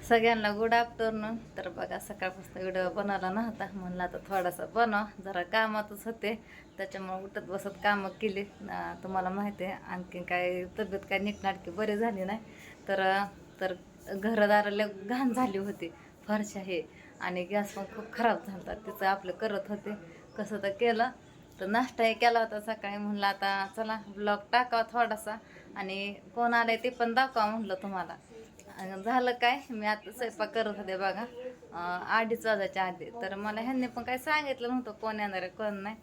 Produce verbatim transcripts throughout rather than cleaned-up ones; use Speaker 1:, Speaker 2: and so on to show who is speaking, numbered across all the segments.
Speaker 1: सगळ्यांना good afternoon. तर बघा सकाळपासून व्हिडिओ बनवला नव्हता, म्हणलं आता थोडासा बनव, जरा कामातच होते त्याच्यामुळे उठत बसत कामं केली. तुम्हाला माहिती आहे आणखी काय तब्येत काय नीटनाटकी बरी झाली नाही. तर तर घरदाराला घाण झाली होती फरशा हे, आणि गॅस पण खूप खराब झाला. तिचं आपलं करत होते कसं तर केलं. तर नाश्ताही केला होता सकाळी, म्हणलं आता चला ब्लॉग टाकावा थोडासा आणि कोण आलंय ते पण दाखवा म्हणलं तुम्हाला. झालं काय, मी आता स्वयंपाक करत होते बघा अडीच वाजायच्या आधी. तर मला ह्यांनी पण काही सांगितलं नव्हतं कोण येणार आहे कोण नाही.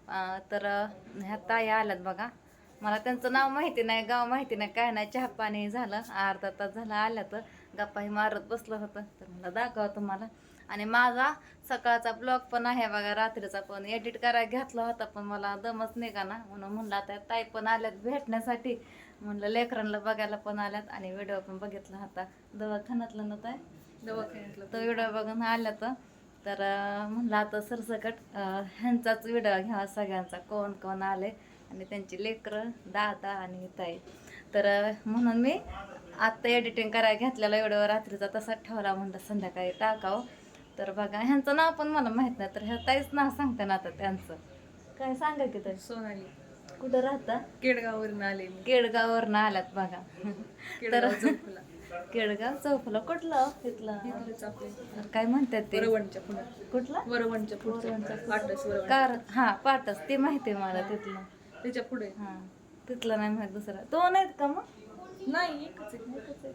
Speaker 1: तर ह्या ताई आल्यात बघा. मला त्यांचं नाव माहिती नाही, गाव माहिती नाही, काय नाही. चहा पाणी झालं, अर्धा तास झाला आल्या. तर गप्पाही मारत बसलं होतं. तर मला दाखवा तुम्हाला. आणि माझा सकाळचा ब्लॉग पण आहे बघा, रात्रीचा पण एडिट करायला घेतला होता, पण मला दमच निघा ना, म्हणून म्हणलं आता ताई पण आल्यात भेटण्यासाठी. म्हणलं लेकरांना बघायला पण आल्यात आणि व्हिडिओ पण बघितला होता दवाखान्यातलं ना ताई, दवाखान्यातला तो व्हिडिओ बघून आल्या. तर तर म्हणलं आता सरसकट ह्यांचाच व्हिडिओ घ्यावा सगळ्यांचा, कोण कोण आले आणि त्यांची लेकरं दादा आणि ताई. तर म्हणून मी आत्ता एडिटिंग करायला घेतलेला व्हिडिओ रात्रीचा तसाच ठेवला, म्हणलं संध्याकाळी टाकावं. तर बघा ह्यांचं नाव पण मला माहीत नाही, तर ह्या ताईच नाव सांगते ना आता त्यांचं. काय सांगा की ताई?
Speaker 2: सोनाली.
Speaker 1: कुठं राहता?
Speaker 2: केडगाववरून आले मी.
Speaker 1: केडगाववरून आल्यात बघा. तर
Speaker 2: चौफुला.
Speaker 1: केडगाव चौफुला कुठलं तिथलं काय म्हणतात ते?
Speaker 2: वरवणच्या पुढे.
Speaker 1: कुठलं?
Speaker 2: वरवणच्या पुढे. पाटस वरवण.
Speaker 1: कार हा पाटस ते माहिती आहे मला तिथलं.
Speaker 2: त्याच्या पुढे.
Speaker 1: हा तिथलं नाही माहित. दुसरा तो नाहीत का मग?
Speaker 2: नाही, एकच आहे.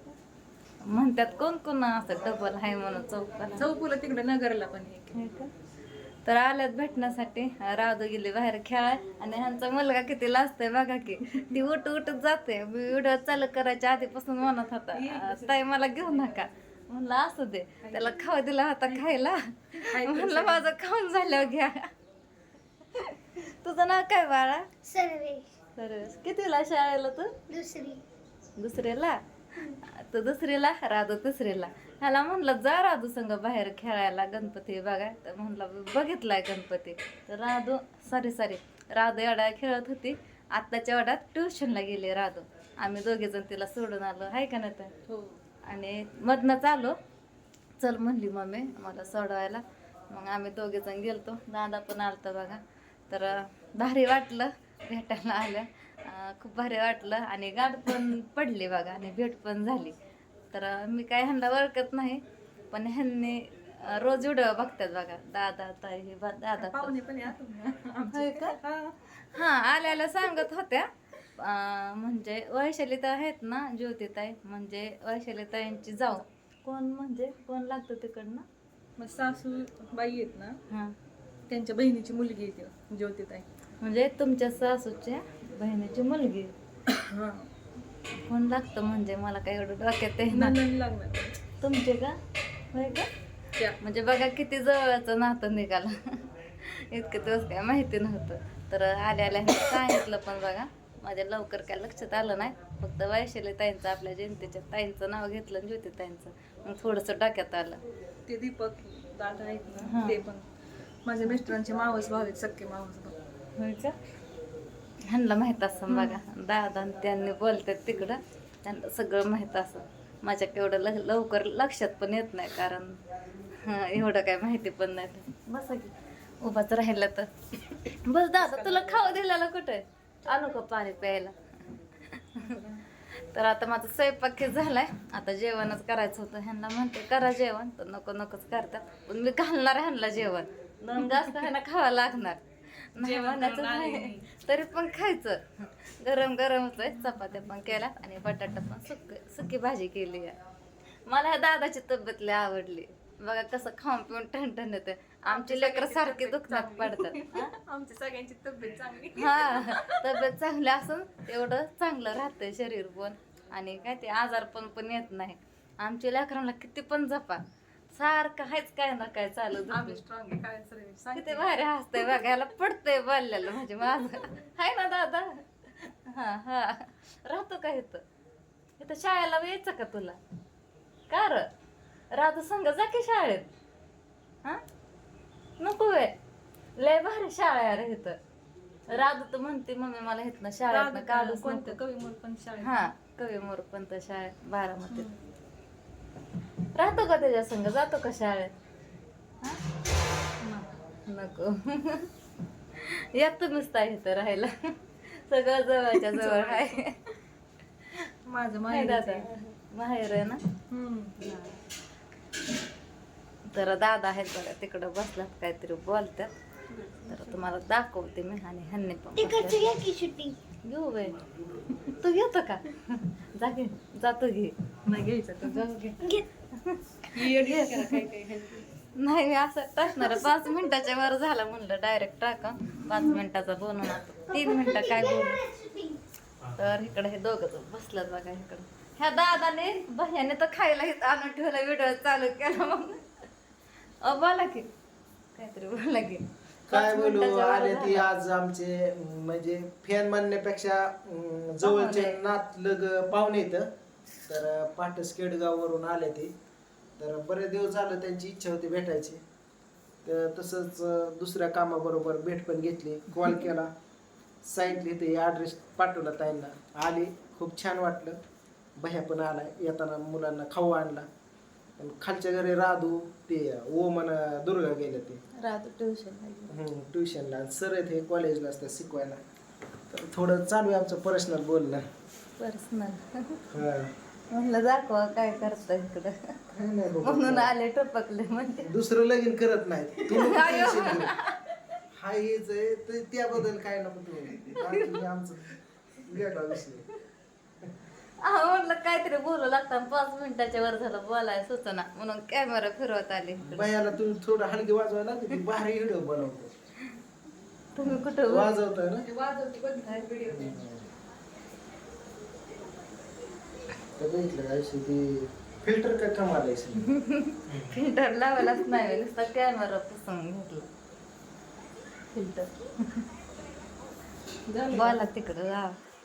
Speaker 1: म्हणतात कोण कोण असं डबल आहे म्हणून चौकाला.
Speaker 2: चौफुला तिकडे नगरला पण एक.
Speaker 1: हे का? तर आल्यात भेटण्यासाठी. राधू गेली बाहेर खेळाय आणि ह्यांचा मुलगा किती लाजतोय बघा की, ती उठ उठत जाते. मी व्हिडिओ चालू करायच्या आधीपासून म्हणत होता ताई मला घेऊ नका. म्हणलं असू दे, त्याला खाऊ दिला होता खायला, म्हणलं माझं खाऊन झाल्यावर घ्या. तुझं नाव काय बाळा?
Speaker 3: सर्वेश.
Speaker 1: सर्वेश. कितीला शाळेला तू?
Speaker 3: दुसरी.
Speaker 1: दुसरीला? तर दुसरीला, राधू तिसरीला. ह्याला म्हणलं जा राधू संग बाहेर खेळायला, गणपती बघाय. तर म्हणलं बघितलाय गणपती. तर राधू सॉरी सॉरी राधू एवढ्या खेळत होती. आत्ताच्या एवढ्यात ट्युशनला गेली राधू. आम्ही दोघेजण तिला सोडून आलो, आहे का नाही तर?
Speaker 2: हो.
Speaker 1: आणि मधनंच आलो, चल म्हणली मम्मी मला सोडवायला. मग आम्ही दोघेजण गेलतो, दादा पण आलता बघा. तर भारी वाटलं भेटायला आल्या, खूप भारी वाटलं. आणि गाठ पण पडली बघा आणि भेट पण झाली. तर मी काय ह्यांना ओळखत नाही, पण ह्यांनी रोज व्हिडिओ बघतात बघा. दादा ताई हे दादा
Speaker 2: पाहुणे पण
Speaker 1: होय का? हां आल्याला सांगत होत्या. म्हणजे वैशाली ताई आहेत ना, ज्योती ताई म्हणजे वैशाली ताईंची जाऊ. कोण म्हणजे कोण लागतं तिकडनं?
Speaker 2: मग सासू बाई आहेत ना,
Speaker 1: हां
Speaker 2: त्यांच्या बहिणीची मुलगी येते ज्योतिताई.
Speaker 1: म्हणजे तुमच्या सासूच्या बहिणीची मुलगी.
Speaker 2: हा.
Speaker 1: कोण लागतं म्हणजे मला काय एवढं डोक्यात आहे ना.
Speaker 2: नंदन लागणार.
Speaker 1: तुमचे का? होय का?
Speaker 2: त्या.
Speaker 1: म्हणजे बघा किती जवळचं नातं निघालं. इतकं दिवस काय माहिती नव्हतं. तर आल्या आल्या सांगितलं पण बघा, माझ्या लवकर काय लक्षात आलं नाही. फक्त वैशाली ताईंचं आपल्या जयंतीच्या ताईंचं नाव घेतलं, ज्योती ताईंचं, मग थोडंसं डोक्यात आलं.
Speaker 2: ते दीपक दादा आहेत
Speaker 1: हा.
Speaker 2: ना, ते पण माझ्या मिस्टरांचे मावस भाव आहेत, सक्के मावस भाव.
Speaker 1: होय का? ह्यांना माहीत असं बघा, दादा त्यांनी बोलतात तिकडं, त्यांना सगळं माहीत असं. माझ्या केवढं ल लवकर लक्षात पण येत नाही, कारण एवढं काय माहिती पण नाही. बस की उभाच राहिलं तर बस. दादा तुला खाऊ दिलेला कुठे? आणू का पाणी प्यायला? तर आता माझा स्वयंपाक झालाय, आता जेवणच करायचं होतं. ह्यांना म्हणते करा जेवण, तर नको नकोच करतात. पण मी घालणार ह्यांना जेवण, दोन जास्त ह्यांना खावं लागणार नाही म्हणायचं नाही, तरी पण खायचं. गरम गरमच आहे. चपात्या पण केल्यात आणि बटाटा पण सुक सुकी भाजी केली आहे. मला ह्या दादाची तब्येत लय आवडली बघा, कसं खाऊन पिऊन ठणठण येते. आमची लेकरं सारखी दुखण्यात पडतात.
Speaker 2: आमची सगळ्यांची तब्येत चांगली.
Speaker 1: हा तब्येत चांगली असून तेवढं चांगलं राहतंय शरीर पण, आणि काय ते आजार पण पण येत नाही. आमच्या लेकरांना किती पण जपा, सारखं हायच काय ना काय चालू.
Speaker 2: आम्ही स्ट्रॉंग आहे, काय सर
Speaker 1: किती भारी हसतंय बघायला, पडतंय बोललेलं म्हणजे माझं. हाय ना दादा? हा हा राहतो का इथं? इथं शाळेला यायचं का तुला? का र राधू संग जा की शाळेत. हा नको वे, लय भारी शाळा आहे रे इथं. राधू तर म्हणते मम्मी मला इथनं शाळेत काढूच
Speaker 2: कोणतं
Speaker 1: नको.
Speaker 2: कवी मोर पण शाळेत.
Speaker 1: हा कवी मोर पण तर शाळेत बारामतीत. राहतो का त्याच्या संग जातो का शाळेत हा? नको येत नुसता इथं राहायला सगळं जवळच्या जवळ आहे
Speaker 2: माझं
Speaker 1: नाही
Speaker 2: माहेर
Speaker 1: दादा माहेर आहे ना हा. तर दादा आहेत बघा तिकडं बसलात काहीतरी बोलतात तर तुम्हाला दाखवते मी आणि ह्यांनी पण बसल्यात. घेऊ बाई तू घेतो का जा घे जातो घे
Speaker 2: नाही घ्यायचं तर
Speaker 1: जाऊ घे
Speaker 2: घे. काय काय
Speaker 1: नाही मी असं टाकणार पाच मिनिटाच्या वर झाला म्हणलं डायरेक्ट टाका पाच मिनिटाचा बनवून आता तीन मिनिटं काय बोलू तर इकडे हे दोघं बसलं बघा इकडं ह्या दादाने भैयाने तर खायला इथं आणून ठेवला व्हिडिओ चालू केला मग अ बोला की काहीतरी बोला की
Speaker 3: काय
Speaker 1: पाच
Speaker 3: बोलू
Speaker 1: मिनिटाच्या वर
Speaker 3: आले ती
Speaker 1: झाला.
Speaker 3: आज आमचे अं, म्हणजे फॅन म्हणण्यापेक्षा अं, जवळचे
Speaker 1: पाहुणे.
Speaker 3: नातलग पाहुणे येतं तर पाटस केडगाववरून आले ते तर बरेच दिवस झालं त्यांची इच्छा होती भेटायची तर तसंच अं, दुसऱ्या कामाबरोबर भेट पण घेतली कॉल केला सांगितली ते ॲड्रेस पाठवला ताईंना आली खूप छान वाटलं भैया पण आला येताना मुलांना खाऊ आणला पण खालच्या घरी राधू ते ओमन दुर्गा गेले ते
Speaker 1: राहतो ट्युशन
Speaker 3: ट्युशनला सर आहेत हे कॉलेजला असतात शिकवायला तर थोडं चालू आहे आमचं पर्सनल बोलणं
Speaker 1: पर्सनल
Speaker 3: हा.
Speaker 1: म्हणलं दाखवा काय करता इकडं
Speaker 3: काय नाही बाबा.
Speaker 1: म्हणून आले टपकले म्हणजे
Speaker 3: दुसरं लगीन करत नाही तू नको tension घेऊ. हा हेच आहे तर त्याबद्दल काय नको तू बाकी हे आमचं वेगळा विषय
Speaker 1: हा म्हटलं काहीतरी बोलू लागतं पाच मिनिटाच्या वर झालं बोलाय सुचना म्हणून कॅमेरा फिरवत आले
Speaker 3: बायाला तू थोडं हलकी वाजवायला लागली की भारी व्हिडिओ बनवतो
Speaker 1: तुम्ही कुठं
Speaker 3: वाजवतोय ना
Speaker 2: ते वाजवते बघितलं व्हिडिओ
Speaker 3: तर बघितलं काय ती फिल्टर काय कमाल आहे
Speaker 1: फिल्टर लावायलाच नाही नुसता कॅमेरा पुसून घेतला फिल्टर बोला तिकडं जा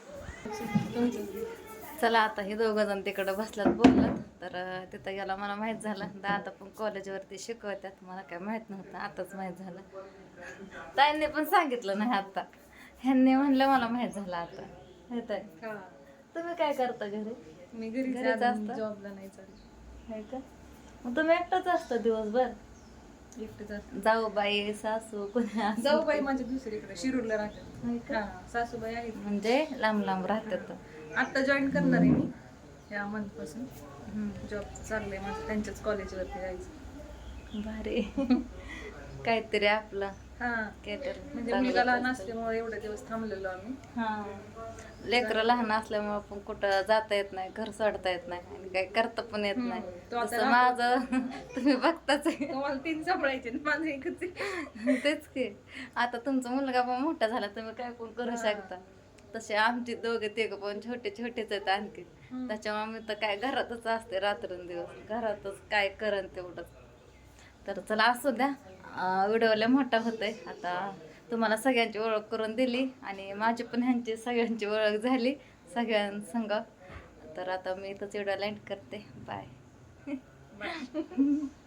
Speaker 1: चला आता हे दोघं जण तिकडं बसलात बोललात तर अं, तिथं गेला मला माहित झालं दादा पण कॉलेजवरती शिकवतात मला काय माहित नव्हतं आताच माहित झालं ताईंनी पण सांगितलं नाही आता ह्यांनी म्हणलं मला माहित झालं आता माहित आहे
Speaker 2: हा
Speaker 1: तुम्ही काय करता घरी
Speaker 2: मी घरी
Speaker 1: घरीच असता?
Speaker 2: जॉबला नाही चालू
Speaker 1: आहे का मग तुम्ही एकटाच असता दिवसभर
Speaker 2: एकटे जात
Speaker 1: जाऊ बाई सासू कोणी असं
Speaker 2: जाऊ बाई माझ्या दुसरीकडे शिरूरला राहतात
Speaker 1: होय का?
Speaker 2: हा सासूबाई आहेत
Speaker 1: म्हणजे लांब लांब राहतात
Speaker 2: आता जॉईन करणार आहे मी या मंथ पासून
Speaker 1: हम्म.
Speaker 2: जॉब चाललंय माझं त्यांच्याच कॉलेजवरती जायचं
Speaker 1: भारी काहीतरी आपलं
Speaker 2: हा
Speaker 1: केटर
Speaker 2: म्हणजे मुलगा लहान असल्यामुळे एवढे दिवस थांबलेलो आम्ही
Speaker 1: हा लेकरं लहान असल्यामुळे पण कुठं जाता येत नाही घर सोडता येत नाही आणि काही करता पण येत नाही
Speaker 2: तो आता
Speaker 1: तसं माझं तुम्ही बघताच आहे.
Speaker 2: तुम्हाला तीन सांभाळायचे आणि माझं एकच आहे.
Speaker 1: तेच की आता तुमचा मुलगा पण मोठा झाला तुम्ही काय पण करू शकता तसे आमचे दोघे तिघ पण छोटे छोटेच आहेत आणखी त्याच्यामुळे मी तर काय घरातच असते रात्रंदिवस घरातच काय करन तेवढंच तर चला असू द्या व्हिडिओ लय मोठा होतोय आता तुम्हाला सगळ्यांची ओळख करून दिली आणि माझी पण ह्यांची सगळ्यांची ओळख झाली सगळ्यांसंग तर आता मी इथंच व्हिडिओ एंड करते बाय
Speaker 2: बाय.